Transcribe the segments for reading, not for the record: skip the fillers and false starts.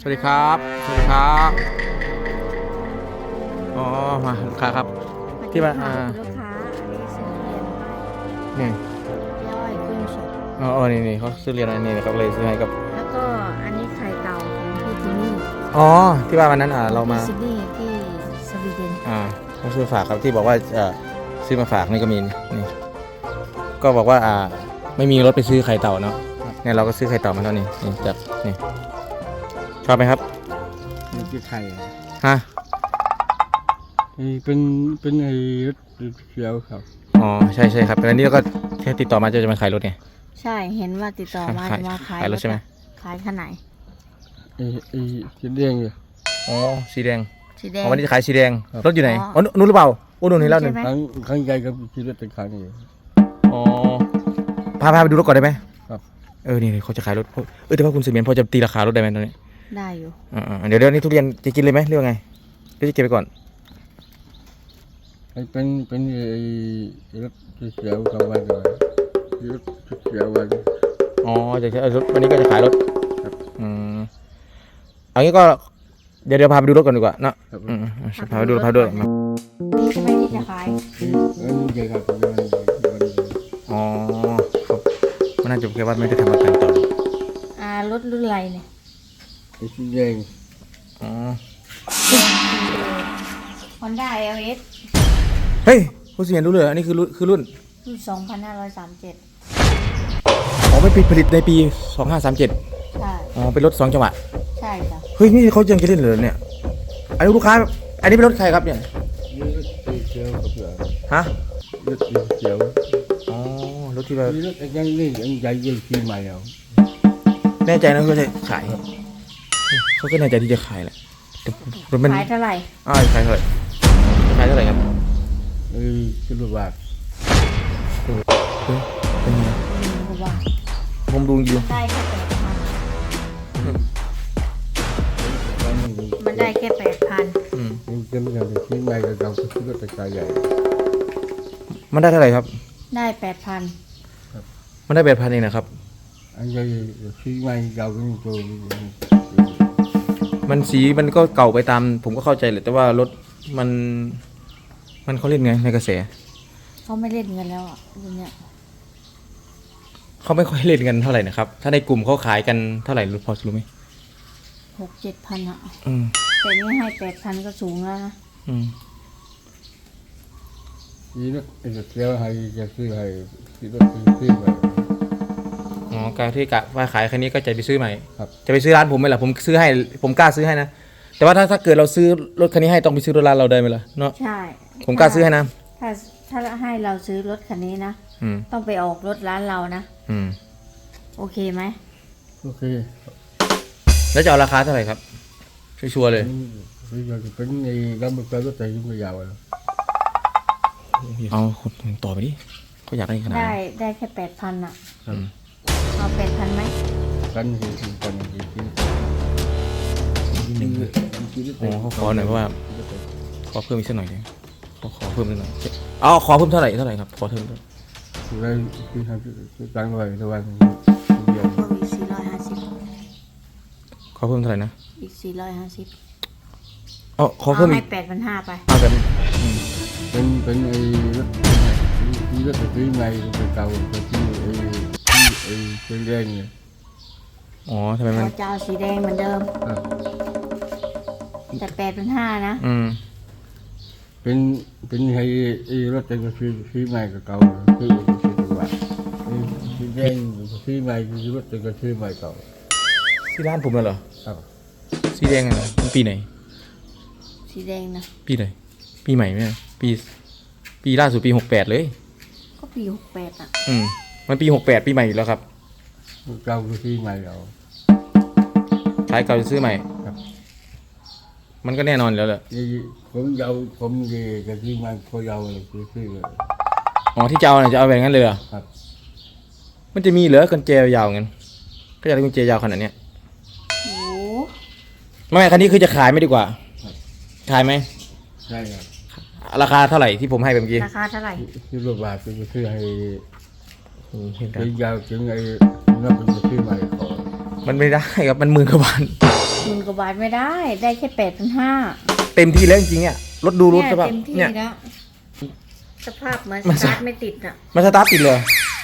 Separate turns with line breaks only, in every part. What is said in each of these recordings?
วัสดีครับสวัสดีครับอ๋อมาลูกค้าครับที่มา
คุณลูกค้าอันนี้ซื้อเรียนให้
นี่
ย่อยกุ้งสด
อ๋อนี่เขาซื้อเรียนอะไรนี่นะครับเลยซื้อให้กับ
แล้วก็อันนี้ไข่เต่าของพี่จิมมี่
อ๋อที่ว่าวันนั้นเรามา
ซิดนีย์ที่สวีเดน
เขาซื้อฝากครับที่บอกว่าซื้อมาฝากนี่ก็มีนี่ก็บอกว่าไม่มีรถไปซื้อไข่เต่าเนาะเนี่ยเราก็ซื้อไข่เต่ามาแล้วนี่จากนี่ชอบไหมครับ
นี่คือไข่
ฮะ
เป็นไอ้รถเขียวครับ
อ๋อใช่ครับแล้วนี่เราก็แค่ติดต่อมาจะมาขายรถไง
ใช่เห็นว่าติดต่อมาจะมาขาย
รถใช่ไหม
ขายขนาดไหน
ไอ้สีแดงอยู่
อ๋อสีแดง
สีแดง
วันนี้จะขายสีแดงรถอยู่ไหนอ๋อนู้นหรือเปล่าโอ้นู่นเห็นแล้วหนึ่ง
ครั้งใหญ่กับขี่รถเป็นครั้งนี้
อ๋อพาไปดูรถก่อนได้ไหม
ครับ
นี่เขาจะขายรถแต่ว่าคุณเสมียนพอจะตีราคารถได้ไหมตอนนี้
ได้อยู่
เดี๋ยวนี้ทุเรียนจะกินเลยไหมเรื่องไงหรือจะเก็บไปก่อน
เป็นไอ้รถเขียวกับวันก่อนรถเขียววัน
อ๋อจะรถวันนี้ก็จะขายรถเอางี้ก็เดี๋ยวพาไปดูรถก่อนดีกว่าเนาะพาไปดูด้วย
นี่ใช่ไหมที่จะขาย
นี่ใช่ครับ
อ๋อครับมันน่าจะแค่ว่าไม่ได้ทำประกันต่อ
รถรุ่นอะไรเนี่ย
ไอ้สีแดง
อ๋อ
Honda LS
เฮ้ยคุณเสมียนรู้เลยอันนี้คือรุ่น
2537
อ๋อไม่ผลิตในปี2537
ใช่
อ๋อเป็นรถ2 จังหวะ
ใช่จ้ะ
เฮ้ยนี่เขายังจะเล่นเหรอเนี่ยอันนี้ลูกค้าอันนี้เป็นรถใครครับเนี่ย
รถเขียวกับเหลือง
ฮะ
รถเขียว
อ๋อรถที่แบบ
รถยังนี่ยังใหญ่ยังปีใหม่เอา
แน่ใจนะว่าจะขายเขาก็แน่ใจที่จะขายแหละรถมัน
ขายเท่าไหร่
ขายเท่าไหร่ครับ
คือรูปแบบ
เป็นไงผมดูอยู่
ได้แค่8,000มันได้แค่8,000
นี่จะไม่ได้ที่ใหม่กับเราคือรถตะกายใหญ่
มันได้เท่าไหร่ครับ
ได้8,000
มันได้8,000เองนะครับ
อันใหญ่ที่ใหม่เราก็มีตัว
มันสีมันก็เก่าไปตามผมก็เข้าใจแหละแต่ว่ารถมันเขาเล่นไงในกระแส
เขาไม่เล่นเงินแล้วรุ่นเนี้ย
เขาไม่ค่อยเล่นกันเท่าไหร่นะครับถ้าในกลุ่มเขาขายกันเท่าไหร่รู้พอรู้ไหม
6-7,000แต่นี่ให้8,000ก็สูงแล้วนะ
นี่รถเขียวให้จะซื้อให้ที่รถซื้อไป
การที่กะว่าขายคันนี้ก็จะไปซื้อใหม่
ครับ
จะไปซื้อร้านผมไหมล่ะผมซื้อให้ผมกล้าซื้อให้นะแต่ว่าถ้าเกิดเราซื้อรถคันนี้ให้ต้องไปซื้อรถร้านเราได้ไหมล่ะเนาะ
ใช่
ผมกล้าซื้อให้นะ
ถ้าให้เราซื้อรถคันนี้นะต้องไปออกรถร้านเรานะโอเคไหม
โอเค
แล้วจะเอาราคาเท่าไหร่ครับชัวร์เลย
เป็นในร้านบริการรถไฟยุ่งยาวเลย
เอาต่อไปดิเขาอยากได้ขนาด
ได้แค่8,000เอา8,000ไหม
กัน
เขาขอหน่อยเพราะว่าขอเพิ่มอีกสักหน่อยเลยขอเพิ่มนิดหน่อยขอเพิ่มเท่าไหร่ครับขอเพิ่ม
ได้ที่ทำตั้งไว้ทุกวัน
เดียวอีก450
ขอเพิ่มเท่าไหร่นะ
อีก450
ขอเพิ่มอีก
8,500ไป
แบบ
เป็นไอ้รถที่ใหม่เป็นเก่าเป็นที่เป็นแดงเนี่ย
ทำไมมัน
เจ้าสีแดงเหมือนเดิมแต่8,500นะ
เป็นไอ้รถแต่ก็ซื้อใหม่กับเก่าซื้อตัวสีแดงซื้อใหม่คือรถแต่ก็ซื้อใหม่เก่า
ที่ร้านผมเหรอ
ครับ
สีแดงเหรอมันปีไหน
สีแดงนะ
ปีไหนปีใหม่ไหมปีล่าสุดปี68เลย
ก็ปี68
มันปี68ปีใหม่อยู่แล้วครับ
เก่าคือซื้อใหม่เรา
ใช้เก่าจะซื้อใหม่มันก็แน่นอนแล้วแหละ
ผมดีกับที่มันเขาเยาเลยซื้อเลย
ที่จะเอาเนี่ยจะเอาแบบนั้นเลยเหรอ
ครับ
มันจะมีเหลือกุญแจยาวงั้นก็อยากได้กุญแจยาวขนาดเนี้ย
โอ้
ไม่คันนี้คือจะขายไม่ดีกว่าขายไหม
ใช่ครับ
ราคาเท่าไหร่ที่ผมให้เมื่อกี้
ราคาเท่าไหร่
ซื้อรถบาทซื้อให้ยาวถึงไอ้นับเป็นซื้อใหม่ขอ
มันไม่ได้ครับมัน10,000 กว่าบาท
10,000 กว่าบาทไม่ได้ ได้แค่8,500
เต็มที่แล้วจริงๆอ่ะรถดูรถ
เนี่ย
ใช่ป่ะ
เต็มที่
เนี่ย
แล้วสภาพเหมือน
มัน
สตาร์ทไม่ติดอ่ะ
มันสตาร์ทติดเลย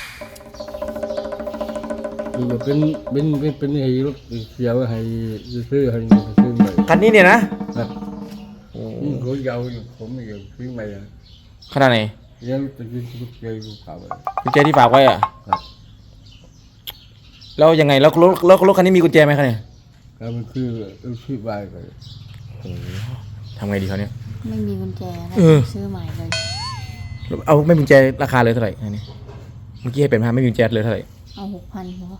คือเป็นไอ้รถเสียวให้ซื้อให้ซื้อใหม่
คันนี้เนี่ยนะครับ โอ้
นี่เขายาวอยู่ผมไม่ยาวซื้อใหม่อะ
ขนาดไหน
ยังจะกินลูกเกยลูกขาวอะ
กุญแจที่ฝากไว้อ่ะ
ครับ
แล้วยังไงแล้วรถคันนี้มีกุญแจไหมคะเนี่ย
แล้วมันคือใบไป
ทำไงดีเขาเนี่ย
ไม่มีกุญแจแล้ว
เออ
ซื้อใหม่เลย
เอาไม่มีกุญแจราคาเลยเท่าไหร่อันนี้เมื่อกี้ให้เป็น5ไม่มีกุญแจเลยเท่าไหร่
เอา6,000พอ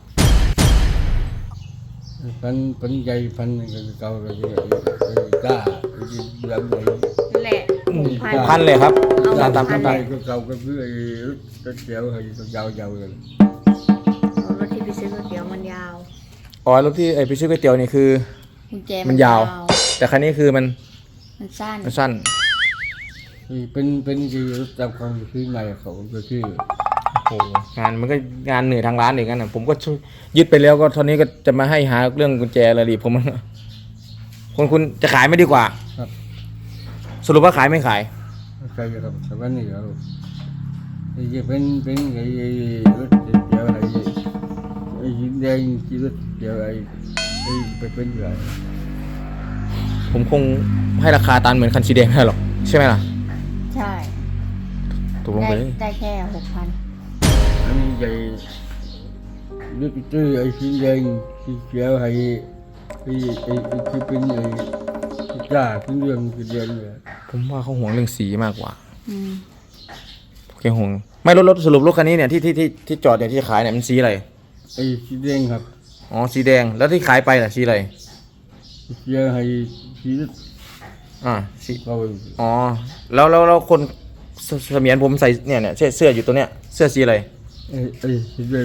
พันใหญ่พันเก่าเลยกล้าแบบไหน
นั่นแหละ
พันเลยครับ
เอา
ตาม
พัน
ใบ
ตาม
ก็เก่าก็คือไอ้รถเสียวให้ยาวเลย
เอารถที่ไปซื้อก๋วยเตี๋ยวมันยาว
อ๋อรถที่ไปซื้อก๋วยเตี๋ยวนี่คือ
กุญแจ
มันยาว แต่คันนี้คือมัน
มันสั้น
สั้น
เป็นคือรถจำความซื้อใหม่เขาก็คือ
โอ้โหงานมันก็งานเหนื่อยทางร้านอย่างนั้นนะผมก็ช่วยยึดไปแล้วก็ตอนนี้ก็จะมาให้หาเรื่องกุญแจอะไรดีผมคุณจะขายไม่ดีกว่า
ครับ
สรุปว่าขายไม่ขาย
ใช่ครับแต่ว่านี่ครับไอ้เป็นไอ้รถเสียวไอ้ยินแดงที่รถเสียวไอ้ไปเป็นอะไร
ผมคงให้ราคาตามเหมือนคันสีแดงไม่ได้หรอกใช่ไหมล่ะ
ใช่
ตกลงไปเลย
ได้แค่6,000
อันนี้ใหญ่รถตื้อไอ้สีแดงสีเขียวไอ้ที่เป็นไอ้จ้าที่เรื่องสีแดงเนี่ย
ผมว่าเขาห่วงเรื่องสีมากกว่า
อืม
แกห่วงไม่รถสรุปรถคันนี้เนี่ยที่จอดเนี่ยที่ขายเนี่ยมันสีอะไร
ไอ้สีแดงครับ
อ๋อสีแดงแล้วที่ขายไปล่ะสีอะไร
สีเขียวไอ้สี
สี
เขา
อ๋อแล้วคนเสมียนผมใส่เนี่ยเสื้ออยู่ตัวเนี้ยเสื้อสีอะไร
ไอ้สีแดง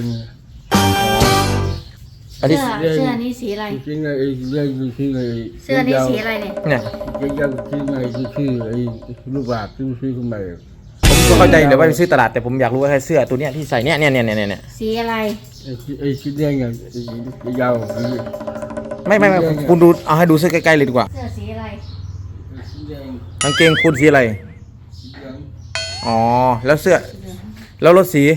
อันนี้
เสื้อนี้สีอะไร
สีแดงไอ้สีแดงคือไอ้
เสื้อนี้สีอะไรเนี่ย
เนี่ย
ยาวๆคือไอ้คือไอ้ลูกบาศก์ที่ซื้อขึ้นมา
ผมก็เข้าใจเดี๋ยวว่าไปซื้อตลาดแต่ผมอยากรู้ว่าเสื้อตัวเนี้ยที่ใส่เนี่ย
สีอะไร
ไอ้สีแดงอ่ะยาวคือ
ไม่คุณดูเอาให้ดูเสื้อใกล้ๆเลยดีกว่า
เสื้อสีอะไร
สีแดง
กางเกงคุณสีอะไร
สีเหลือง
อ๋อแล้วเสื้อแล้วรถสี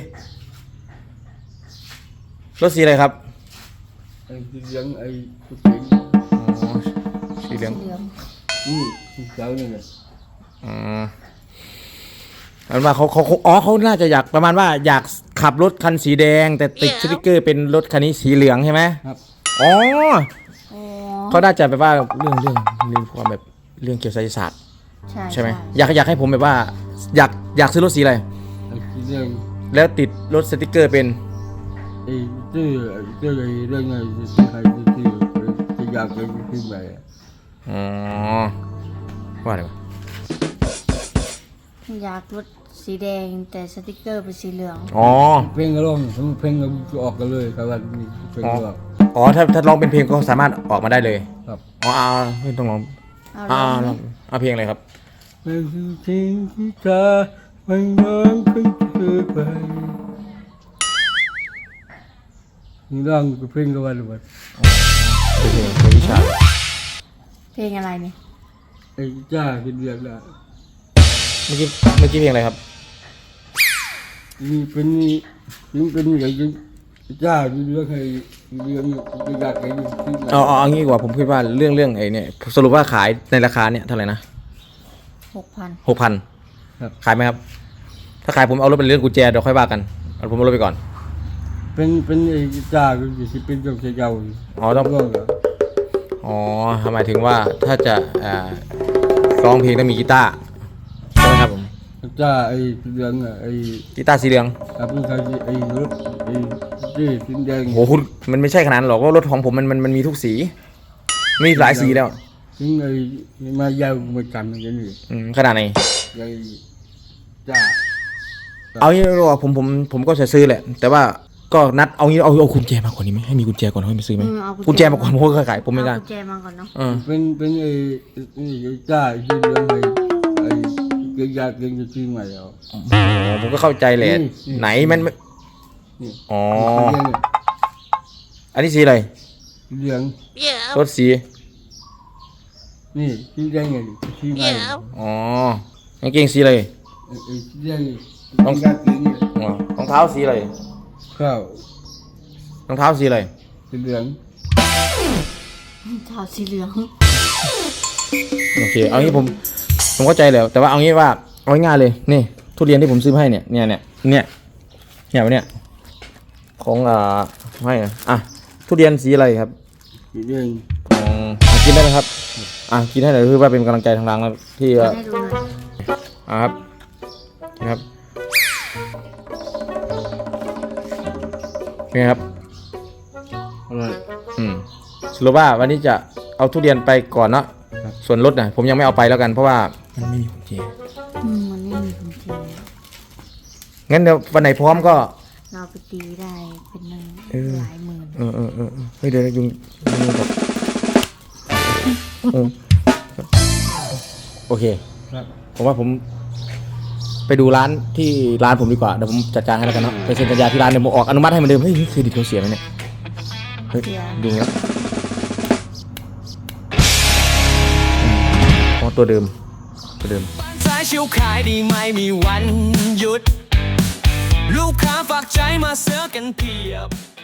อะไรครับ
ไอ้สีเหลืองไอ้ผู้หญิง
อ๋อสีเหลือง
เหลือง
นี่สีขาวนี่แหละ
อ๋ออันว่าเขาน่าจะอยากประมาณว่าอยากขับรถคันสีแดง แต่ติดสติ๊กเกอร์เป็นรถคันนี้สีเหลืองใช่ไหม
ครับ
อ๋อ
อ๋อ
เขาน่าจะแบบว่าเรื่องความแบบเรื่องเกี่ยวกับไสยศาสตร์ ใช่ไหมอยากให้ผมแบบว่าอยากซื้อรถสีอะไร
ไอ้สีแดง
แล้วติดรถสติ๊กเกอร์เป็น
ไอ้ชื่อไอ้เรื่องไอ้ที่ใครที่จะอยากเป็นขึ้นไป
อ๋อว่าอะไรวะ
อยากรถสีแดงแต่สติกเกอร์เป็นสีเหลือง
อ๋อ
เพลงก็ร้องเพลงก็ออกกันเลยครับว่าเพลงก็ออก
อ๋อถ้าร้องเป็นเพลงก็สามารถออกมาได้เลย
ครับ
อ๋อไม่ต้องร้อง
เอา
ล
ล
อ
อง ง
เอาเพลงอะไรครับ
เป็นสิ่งที่เธอไม่น้องขึ้นเธอไปนี่ร้องเพลงก็ว่าหรือเปล่า
เพลงวิชา
เพลงอะไรเนี่ย
ไอ้จ้ากินเรียกละ
เมื่อกี้เพลงอะไรครับ
นี่เป็นอย่างนี้จ้ากินเรียกให้เรียกอยากให้ที่ไหน
เอางี้ดีกว่าผมคิดว่าเรื่องไอ้เนี่ยสรุปว่าขายในราคาเนี่ยเท่าไหร่นะ
6,000
6,000ขายไหมครับ ถ้าขายผมเอารถเป็นเรื่องกุญแจเดี๋ยวค่อยว่ากันเอาผมเอารถไปก่อน
เป็นไอ้จ้าก็จะเป็นเจ้าเจ้า
อ๋อต้อง
ร้องเหรอ
อ๋อหมายถึงว่าถ้าจะร้องเพลงต้องมีกีตาร์ใช่ไหมครับผม
จ้าไอ้เรื่องไอ้
กีตาร์สีเหลือง
ครับเป็นใครไอ้รถไอ้ที่สีแดง
โหคุณมันไม่ใช่ขนาดนั้นหรอกเพราะรถของผมมันมีทุกสีมีหลายสีแล้ว
ถึงไอ้มายาวมาจำอย่างนี้
ขนาดไหน
ไอ้จ้า
เอางี้ดีกว่าผมก็จะซื้อแหละ แต่ว่าก็นัดเอางี้เอากุญแจมาก่อนดีไหมให้มีกุญแจก่อนค่อยไปซื้อไหม
เอา
กุญแจมาก่อนผมก็ขายผมไม่กล้า
เอากุญแจมาก่อนเนาะ
เป็นไอ้จ้าที่เรื่องไอ้เกี่ยวยากเกี่ยงที่ใหม่เอา
ผมก็เข้าใจแหละ
นี่
ไหนมัน
นี่
อ๋อ
เรื่อง
อันนี้สีอะไร
เรื่อง
รถสี
นี่สีแดงไงสีใหม่
อ๋อกางเกงสีอะไร
สีแดง
ต้อง
กางเกงเนี่ย
อ๋อรองเท้าสีอะไร
ข้าว
รองเท้าสีอะไร
สีเหลือง
เท้าสีเหลือง
โอเคเอางี้ผมเข้าใจแล้วแต่ว่าเอางี้ว่าเอาง่ายๆเลยนี่ทุเรียนที่ผมซื้อมาให้เนี่ยของให้อ่ะทุเรียนสีอะไรครับ
สีแดง
กินได้ไหมครับกินให้หน่อยคือว่าเป็นกำลังใจทางร้านนะที่
ให้ดูหน่อย
ครับนะครับเป็นไงครับ
อร่อย
สรุปว่าวันนี้จะเอาทุเรียนไปก่อนเนาะส่วนรถนะผมยังไม่เอาไปแล้วกันเพราะว่ามันไม่มีกุญแจ
มันไม่มีกุญแจ
งั้นเดี๋ยววันไหนพร้อมก็
เราไปตีได้เป็นหนึ่งหลายหมื่น
เฮ้ยเดี๋ยวยุงแบบโอเค
ครับ
ผมว่าผมไปดูร้านที่ร้านผมดีกว่าเดี๋ยวผมจัดการให้แล้วกันเนาะไปเซ็นสัญญาที่ร้านเดี๋ยวผมออกอนุมัติให้เหมือนเดิมเฮ้ยเครดิตเขาเสียไหมเนี่ยเฮ้ยยุงแล้วอ๋อตัวเดิม
สายชิวขายดีไม่มีวันหยุด ลูกค้าฝากใจมาเสือกันเพียบ